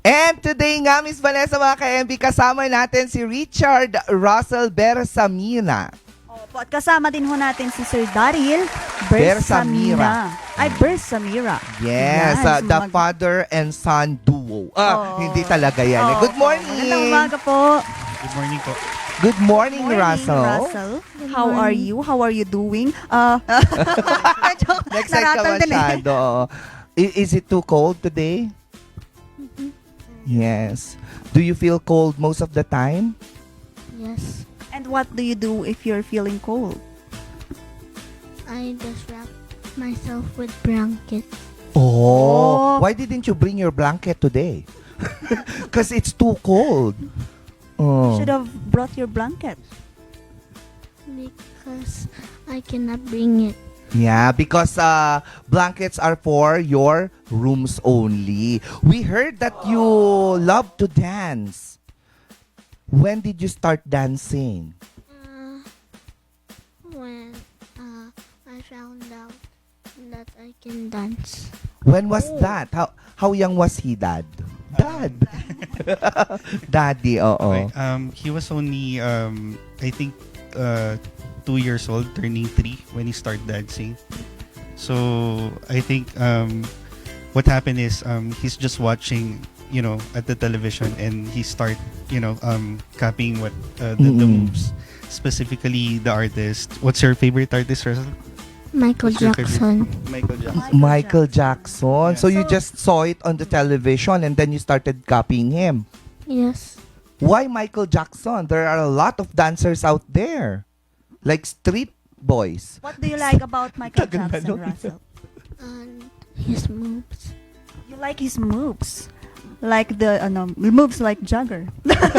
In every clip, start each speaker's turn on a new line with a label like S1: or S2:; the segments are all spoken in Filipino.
S1: And today nga, Miss Vanessa, mga ka-MB, kasama natin si Richard Russell Bersamina.
S2: Opo, at kasama din ho natin si Sir Daryl
S1: Bersamira.
S2: Bersamira.
S1: Yes,
S2: Yan,
S1: the father and son duo. Hindi talaga yan. Good morning.
S2: Magandang umaga po.
S3: Good morning po.
S1: Good morning, Russell.
S2: How are you? How are you doing?
S1: Next-side ka masyado. Is it too cold today? Yes. Do you feel cold most of the time?
S4: Yes,
S2: And what do you do if you're feeling cold?
S4: I just wrap myself with blankets.
S1: Oh. Why didn't you bring your blanket today? Because it's too cold. Oh.
S2: Should have brought your blanket.
S4: Because I cannot bring it.
S1: Yeah, because blankets are for your rooms only. We heard that you love to dance. When did you start dancing?
S4: When I found out that I can dance.
S1: When was that? How young was he, Dad? Dad. Daddy, oo.
S3: Okay. He was only, I think, 2 years old, turning 3 when he started dancing. So I think what happened is he's just watching, at the television, and he start, copying what the moves, specifically the artist. What's your favorite artist, Russell?
S4: Michael
S3: What's your favorite?
S4: Jackson.
S3: Michael Jackson.
S1: Michael Jackson.
S3: Yeah.
S1: So you just saw it on the television and then you started copying him.
S4: Yes.
S1: Why Michael Jackson? There are a lot of dancers out there. Like street boys.
S2: What do you like about Michael
S1: Tagal na
S2: Jackson,
S1: nun.
S2: Russell?
S4: And his moves.
S2: You like his moves. Like the moves like Jagger.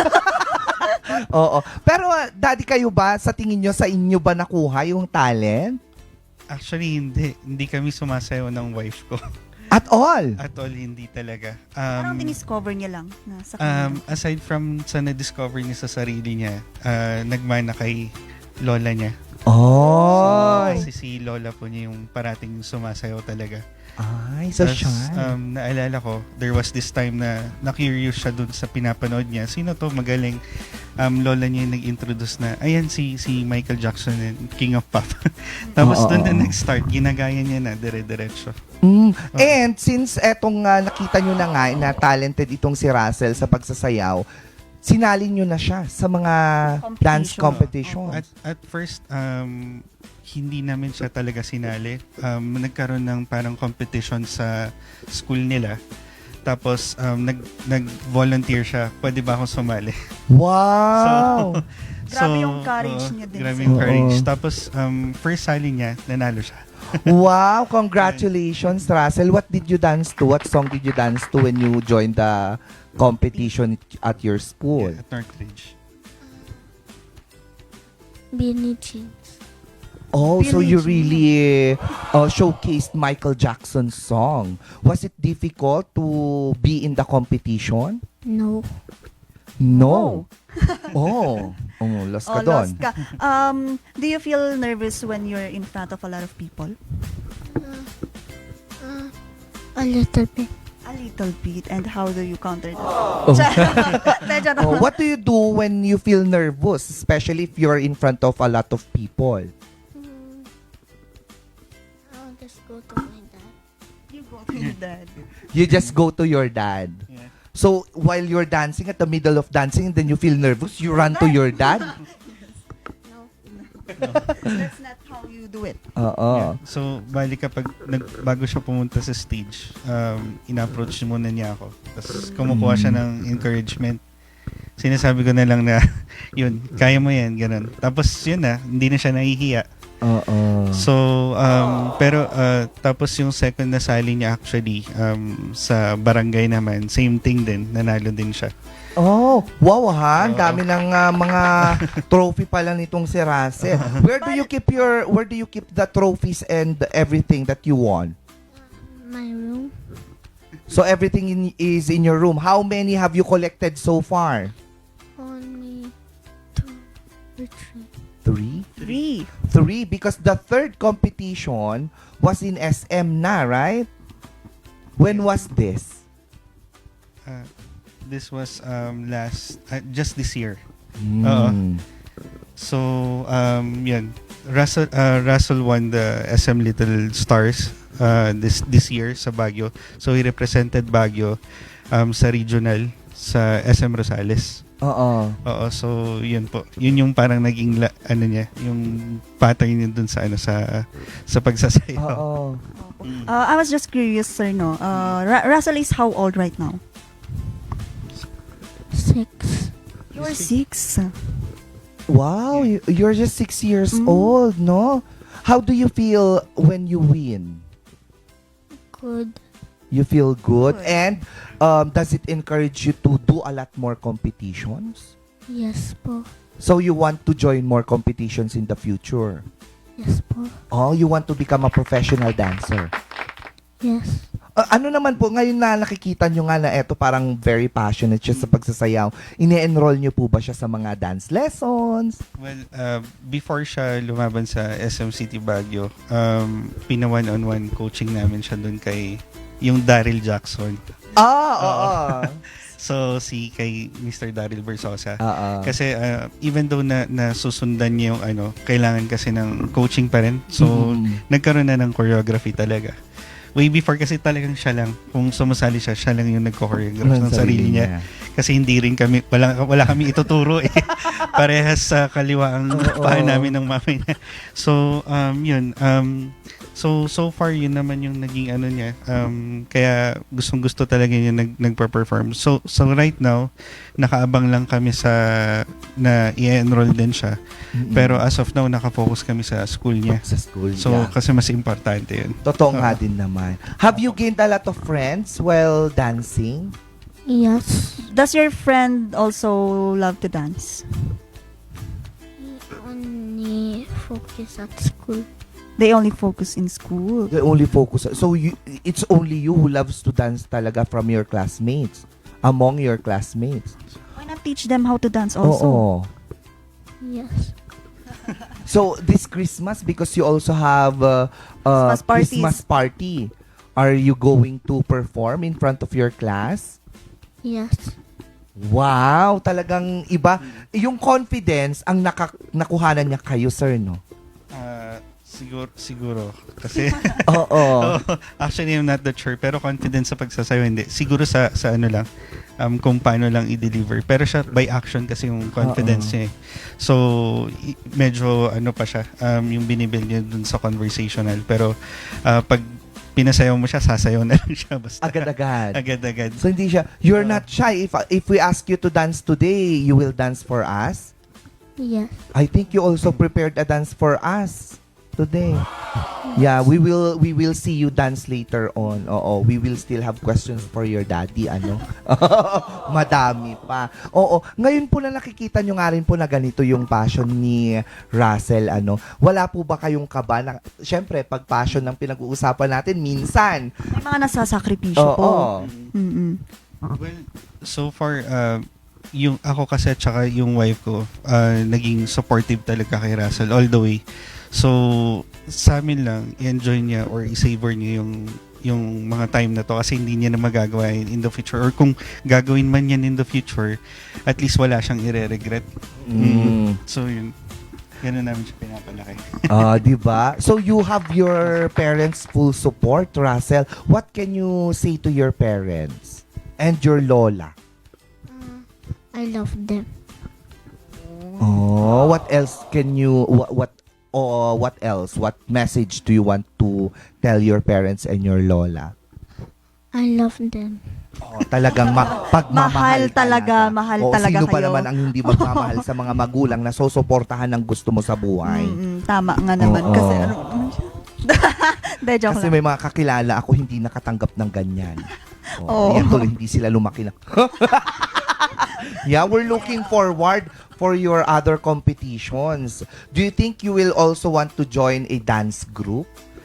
S1: Oo. Pero daddy, kayo ba, sa tingin nyo, sa inyo ba nakuha yung talent?
S3: Actually, hindi kami sumasayaw ng wife ko.
S1: At all?
S3: At all, hindi talaga.
S2: Parang diniscover niya lang na sa kanya.
S3: Aside from sa na-discover niya sa sarili niya, nagmana kay lola niya.
S1: Oh.
S3: Kasi si lola po niya yung parating sumasayaw talaga.
S1: Ay, so
S3: Tas,
S1: shy.
S3: naalala ko, there was this time na na-curious siya dun sa pinapanood niya. Sino to? Magaling. Lola niya yung nag-introduce na, ayan si Michael Jackson, and King of Pop. Tapos dun na nag-start, ginagaya niya na dire-diretso.
S1: And since etong nakita nyo na nga na talented itong si Russell sa pagsasayaw, sinalin nyo na siya sa mga dance competition.
S3: At first, hindi namin siya talaga sinali. Nagkaroon ng parang competition sa school nila. Tapos, nag-volunteer siya. Pwede ba akong sumali?
S1: Wow!
S2: Grabe yung courage niya din.
S3: Grabe
S2: sir.
S3: yung courage. Tapos, first sali niya, nanalo siya.
S1: Wow! Congratulations, Russell. What did you dance to? What song did you dance to when you joined the competition at your school?
S3: At Northridge.
S4: Beanie Jeans.
S1: Oh, so you
S2: Billie
S1: really showcased Michael Jackson's song. Was it difficult to be in the competition?
S4: No.
S1: No. Oh, lost ka doon.
S2: Lost ka. Do you feel nervous when you're in front of a lot of people?
S4: A little bit.
S2: A little bit. And how do you counter that? Medyo na.
S1: What do you do when you feel nervous, especially if you're in front of a lot of people?
S4: I'll just go to my dad.
S2: You go to your dad.
S1: You just go to your dad.
S3: Yeah.
S1: So while you're dancing, at the middle of dancing, and then you feel nervous, you run to your dad?
S4: No.
S2: That's not how you do it.
S1: Oo.
S3: Yeah. So, bali kapag bago siya pumunta sa stage, in-approach muna niya ako. Tapos kumukuha siya ng encouragement. Sinasabi ko na lang na, yun, kaya mo yan, ganun. Tapos yun na, hindi na siya nahihiya.
S1: Oo.
S3: So, pero tapos yung second na sali niya actually, sa barangay naman, same thing din, nanalo din siya.
S1: Oh, wow ha. Ang dami ng mga trophy pala nitong si Russell. Where do you keep the trophies and everything that you won?
S4: My room.
S1: So everything is in your room. How many have you collected so far?
S4: Only 2 or
S1: 3?
S4: 3.
S2: 3.
S1: Because the third competition was in SM na, right? When was this?
S3: This was just this year.
S1: Mm.
S3: So, yun. Russell won the SM Little Stars this year sa Baguio. So, he represented Baguio sa regional sa SM Rosales.
S1: Oo.
S3: Oo, so yun po. Yun yung parang naging yung pattern niya dun sa sa pagsasayaw.
S1: Oo.
S2: I was just curious, sir, no? Russell is how old right now?
S4: 6.
S2: You're 6.
S1: Wow, you're just 6 years old, no? How do you feel when you win?
S4: Good.
S1: You feel good?
S2: Good.
S1: And does it encourage you to do a lot more competitions?
S4: Yes po.
S1: So you want to join more competitions in the future?
S4: Yes po.
S1: Oh, you want to become a professional dancer?
S4: Yes.
S1: Ano naman po, ngayon na nakikita nyo nga na eto parang very passionate siya sa pagsasayaw, ine-enroll nyo po ba siya sa mga dance lessons?
S3: Well, before siya lumaban sa SM City Baguio, pina one-on-one coaching namin siya dun kay yung Daryl Jackson.
S1: Oo.
S3: So, kay Mr. Daryl Versosa.
S1: Oo.
S3: Kasi even though na susundan niya yung kailangan kasi ng coaching pa rin. So, nagkaroon na ng choreography talaga. Way before kasi talagang siya lang. Kung sumasali siya lang yung nagko-choreograph ng sarili niya. Kasi hindi rin kami, wala kami ituturo eh. Parehas sa kaliwa ang paa namin ng mama niya. So, yun. So far, yun naman yung naging niya. Kaya gustong-gusto talaga niya nagpa-perform. So right now, nakaabang lang kami na i-enroll din siya. Pero as of now, nakafocus kami sa school niya.
S1: Sa school
S3: So,
S1: niya.
S3: kasi mas importante yun.
S1: Totoo nga din naman. Have you gained a lot of friends while dancing?
S4: Yes.
S2: Does your friend also love to dance?
S4: He only focus at school.
S2: They only focus in school.
S1: The only focus. So it's only you who loves to dance talaga from your classmates, among your classmates.
S2: Why not teach them how to dance also?
S1: Oo.
S4: Yes.
S1: So this Christmas, because you also have
S2: Christmas parties.
S1: Christmas party, are you going to perform in front of your class?
S4: Yes.
S1: Wow, talagang iba. Yung confidence ang nakuhanan niya kayo, sir, no?
S3: Siguro. Kasi,
S1: Oo.
S3: actually, I'm not that sure. Pero confidence sa pagsasayaw, hindi. Siguro sa kung paano lang i-deliver. Pero siya, by action kasi yung confidence niya eh. So, medyo pa siya, yung binibuild niya dun sa conversational. Pero, pag pinasayaw mo siya, sasayaw na lang siya. Basta.
S1: Agad-agad.
S3: Agad-agad.
S1: So hindi siya, you're not shy. If we ask you to dance today, you will dance for us?
S4: Yes.
S1: I think you also prepared a dance for us today. Yeah, we will see you dance later on. Oo, we will still have questions for your daddy, Madami pa. Oo, ngayon po na nakikita nyo nga rin po na ganito yung passion ni Russell, Wala po ba kayong kaba na, syempre, pag passion ng pinag-uusapan natin, minsan.
S2: May mga nasasakripisyo po.
S1: Oo.
S2: Mm-mm.
S3: Well, so far, yung ako kasi at saka yung wife ko, naging supportive talaga kay Russell all the way. So, sa amin lang, i-enjoy niya or i-savor niya yung mga time na to kasi hindi niya na magagawa in the future. Or kung gagawin man yan in the future, at least wala siyang ire-regret. So, yun. Ganun namin siya pinapalaki.
S1: Di ba? So you have your parents' full support, Russell. What can you say to your parents and your lola?
S4: I love them.
S1: Oh, what else can you what else? What message do you want to tell your parents and your lola?
S4: I love them.
S1: Oh, talagang pagmamahal
S2: Mahal talaga, mahal
S1: Oo,
S2: talaga
S1: sino ba
S2: kayo.
S1: naman ang hindi magmamahal sa mga magulang na susuportahan ng gusto mo sa buhay?
S2: Tama nga naman.
S1: Oo.
S2: Kasi De, joke
S1: Kasi
S2: lang.
S1: may mga kakilala ako hindi nakatanggap ng ganyan.
S2: Oo.
S1: Yan tuloy, hindi sila lumaki na. Yeah, we're looking forward for your other competitions. Do you think you will also want to join a dance group?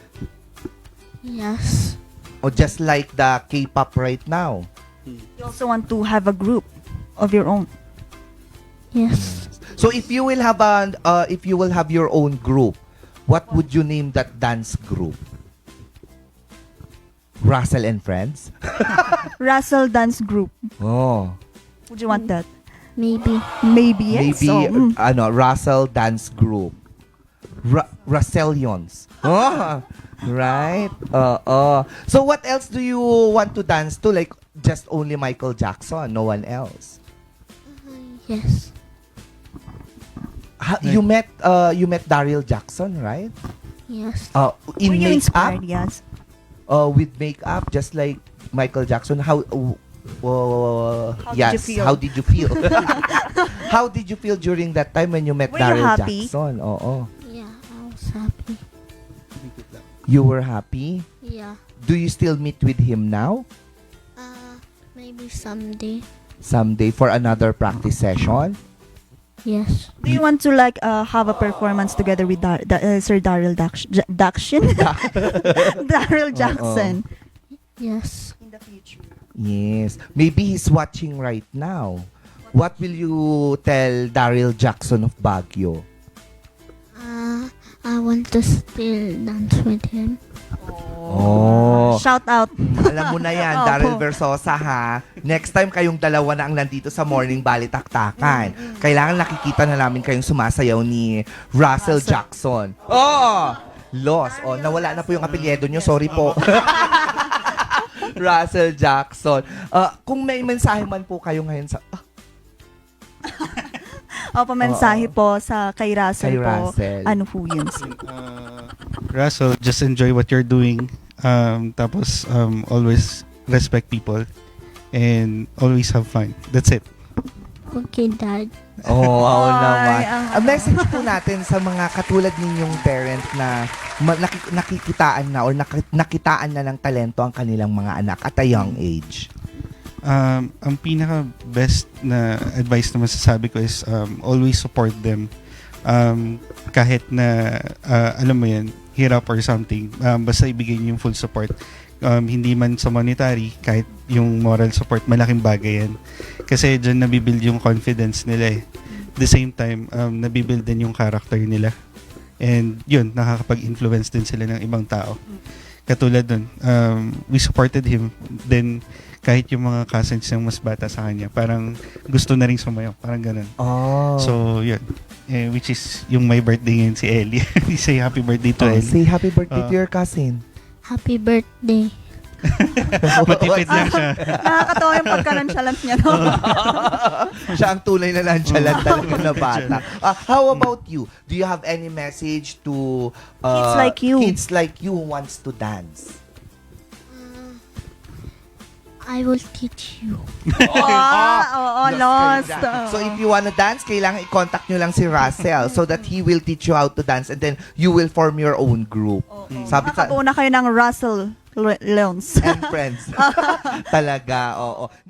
S4: Yes.
S1: Or just like the K-pop right now?
S2: You also want to have a group of your own.
S4: Yes.
S1: So if you will have your own group, what would you name that dance group? Russell and Friends?
S2: Russell Dance Group.
S1: Oh.
S2: Would you want that?
S4: Maybe.
S2: Maybe yes.
S1: Maybe,
S2: So,
S1: Russell Dance Group. Russellions. Oh, right? So what else do you want to dance to? Like, just only Michael Jackson, no one else?
S4: Yes.
S1: You met Daryl Jackson, right?
S4: Yes.
S1: In
S2: were you
S1: makeup,
S2: inspired? Yes.
S1: with makeup, just like Michael Jackson. How
S2: did
S1: yes,
S2: you feel?
S1: how did you feel? How did you feel during that time when you met
S2: Were you
S1: Daryl
S2: happy?
S1: Jackson? Oo.
S4: Yeah, I was happy.
S1: You were happy?
S4: Yeah.
S1: Do you still meet with him now?
S4: Maybe someday.
S1: Someday for another practice session?
S4: Yes.
S2: Do you want to like have a performance together with Sir Daryl Daction? Daryl Jackson.
S4: Yes.
S2: In the future.
S1: Yes. Maybe he's watching right now. What will you tell Daryl Jackson of Baguio?
S4: I want to still dance with him.
S1: Oh.
S2: Shout out.
S1: Alam mo na yan,
S2: Opo.
S1: Daryl Versosa ha. Next time kayong dalawa na ang nandito sa Morning Balitaktakan. Kailangan nakikita na namin kayong sumasayaw ni Russell Jackson. Oh! Lost. Oh, nawala na po yung apelyido nyo. Sorry po. Russell Jackson. Kung may mensahe man po kayo ngayon sa...
S2: Pamensahe po sa kay Russell
S1: Kay
S2: po.
S1: Russell.
S2: Ano po yun?
S3: Russell, just enjoy what you're doing. Tapos, always respect people. And always have fun. That's it.
S4: Okay, Dad.
S1: Oh, wow naman.
S2: ang-
S1: Ang message po natin sa mga katulad ninyong parent na nakikitaan na or nakitaan na ng talento ang kanilang mga anak at a young age.
S3: Ang pinaka best na advice na masasabi ko is always support them. Kahit na alam mo yan, hirap or something, basta ibigay niyo yung full support. Hindi man sa monetary, kahit yung moral support, malaking bagay yan. Kasi dyan nabibuild yung confidence nila eh. At the same time, nabibuild din yung character nila. And yun, nakakapag-influence din sila ng ibang tao. Katulad dun, we supported him. Then, kahit yung mga cousins yung mas bata sa kanya, parang gusto na rin sumayaw. Parang ganun.
S1: Oh.
S3: So, yun. Which is yung my birthday ngayon si Ellie. Say happy birthday to Ellie.
S1: Say happy birthday to your cousin.
S4: Happy birthday.
S3: Matipid lang siya.
S2: Nakakatawa yung pagka-nonchalant niya, no?
S1: Siya ang tunay na nonchalant talaga na bata. How about you? Do you have any message to
S2: Kids like you.
S1: Kids like you who wants to dance?
S4: I will teach you.
S2: Lost.
S1: So if you wanna dance, kailangan i-contact nyo lang si Russell so that he will teach you how to dance and then you will form your own group. Sabi sa
S2: Nakabuo na kayo ng Russell Leons.
S1: and friends. Talaga, oo.